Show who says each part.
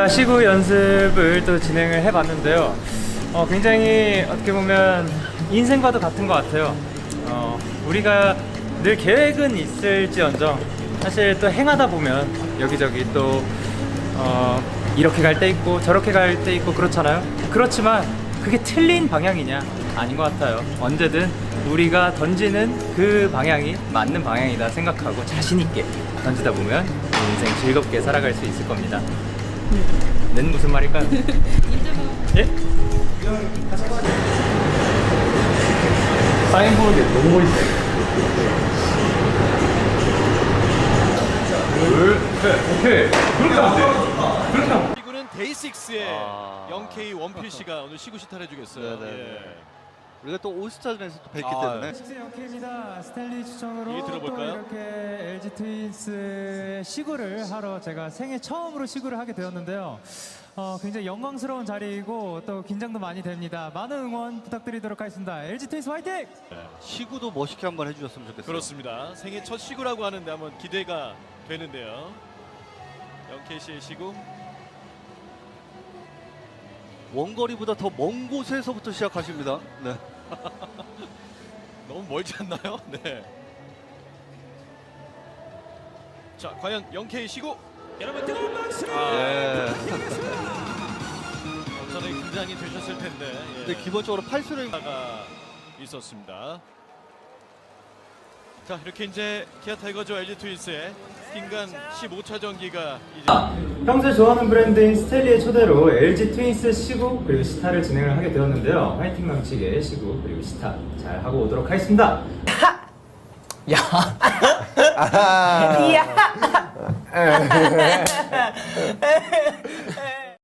Speaker 1: 자, 시구 연습을 또 진행을 해봤는데요. 굉장히 어떻게 보면 인생과도 같은 것 같아요. 우리가 늘 계획은 있을지언정 사실 또 행하다 보면 여기저기 또 이렇게 갈 때 있고 저렇게 갈 때 있고 그렇잖아요. 그렇지만 그게 틀린 방향이냐? 아닌 것 같아요. 언제든 우리가 던지는 그 방향이 맞는 방향이다 생각하고 자신 있게 던지다 보면 인생 즐겁게 살아갈 수 있을 겁니다. 는 무슨 말일까요? 예? 사인보드에 너무 멋있어요. 오케이. 그렇게 하면 돼. 그렇게 하면 돼.
Speaker 2: 시구는 데이식스의 0K 원필씨가 오늘 시구 시타를 해주겠어요.
Speaker 3: 네네.
Speaker 2: 예.
Speaker 3: 우리가 또 올스타전에서 또 뵀기 때문에
Speaker 1: 식스 영케입니다. 스탠리 추천으로
Speaker 2: 얘기 들어볼까요?
Speaker 1: 또 이렇게 LG 트윈스의 시구를 하러 제가 생애 처음으로 시구를 하게 되었는데요. 굉장히 영광스러운 자리이고 또 긴장도 많이 됩니다. 많은 응원 부탁드리도록 하겠습니다. LG 트윈스 화이팅!
Speaker 3: 시구도 멋있게 한번 해주셨으면 좋겠어요.
Speaker 2: 그렇습니다. 생애 첫 시구라고 하는데 한번 기대가 되는데요. 0K씨의 시구.
Speaker 3: 원거리보다 더 먼 곳에서부터 시작하십니다. 네.
Speaker 2: 너무 멀지 않나요? 네. 자, 과연 0K 시구. 여러분 뜨거운 박수!
Speaker 3: 예.
Speaker 2: 엄청나게 긴장이 되셨을 텐데. 예.
Speaker 3: 근데 기본적으로 팔수를
Speaker 2: 가 있었습니다. 자, 이렇게 이제 기아 타이거즈와 LG 트윈스의 인간 15차 전기가 이제
Speaker 1: 평소에 좋아하는 브랜드인 스텔리의 초대로 LG 트윈스 시구 그리고 시타를 진행을 하게 되었는데요. 화이팅 넘치게 시구 그리고 시타 잘 하고 오도록 하겠습니다.
Speaker 4: 야. 야.